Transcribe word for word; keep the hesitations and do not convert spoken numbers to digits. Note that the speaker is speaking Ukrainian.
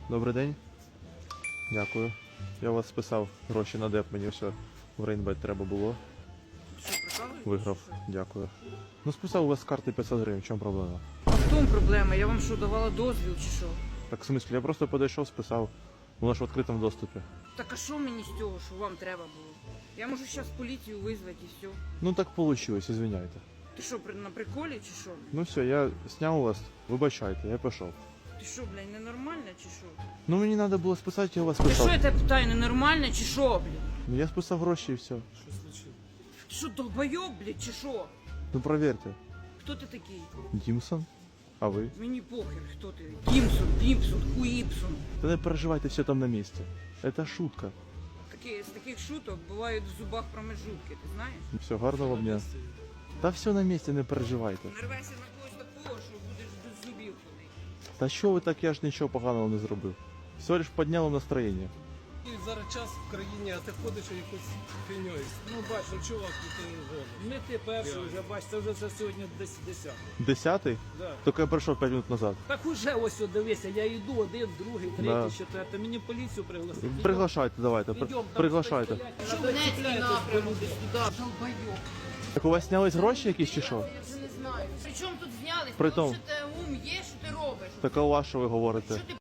Добрий день. Дякую. Я у вас списав гроші на деп, мені все в Рейнбет треба було. Що, прикалуєтесь? Виграв. Дякую. Ну списав у вас з карти п'ятсот гривень, в чому проблема? А в тому проблема? Я вам що, давала дозвіл чи що? Так в смислі, я просто подійшов, списав. Воно ж в відкритому доступі. Так а що мені з цього, що вам треба було? Я можу зараз поліцію визвати і все. Ну так вийшло, извиняйте. Ти що, при- на приколі чи що? Ну все, я зняв у вас, вибачайте, я пішов. Ти що, блядь, ненормальна чи що? Ну мені треба було списати, я у вас Ти що, списав. я тебе питаю, ненормальна чи що, блядь? Ну я списав гроші і все. Ти що, долбойоб, блядь, чи що? Ну провірте. Хто ти такий? Дімсон? А ви? Мені похер, хто ти. Дімсон, Дімсон, Хуїпсон. Та не переживайте, все там на місці. Это шутка. Такі, з таких шуток бувають в зубах промежутки, ти знаєш? Все, гарного вам дня. Та все на місці, не переживайте. Нарвайся на когось такого, що будеш без зубів ходити. Та що ви так, я ж нічого поганого не зробив. Все лиш підняв вам настроєння. І зараз час в країні, а ти ходиш і якось фігньою. Ну бач, ну чувак, ну ти голий. Не ти перший вже, бач, це вже це сьогодні десь десятий. Десятий? Да. Тільки я прийшов п'ять минут назад. Так уже ось от дивися, я йду один, другий, третій, Да. четвертий. Мені поліцію пригласити. Приглашайте, давайте, при- Ідем, там приглашайте. стоять, Що надо Донецький цепляєтесь, напрямок, бо люди- туди, долбойоб. Так у вас знялись гроші якісь чи що? Я вже не знаю. При чому тут знялись? При тому. Що ти ум є, що ти робиш? Так а у вас що ви говорите? Що ти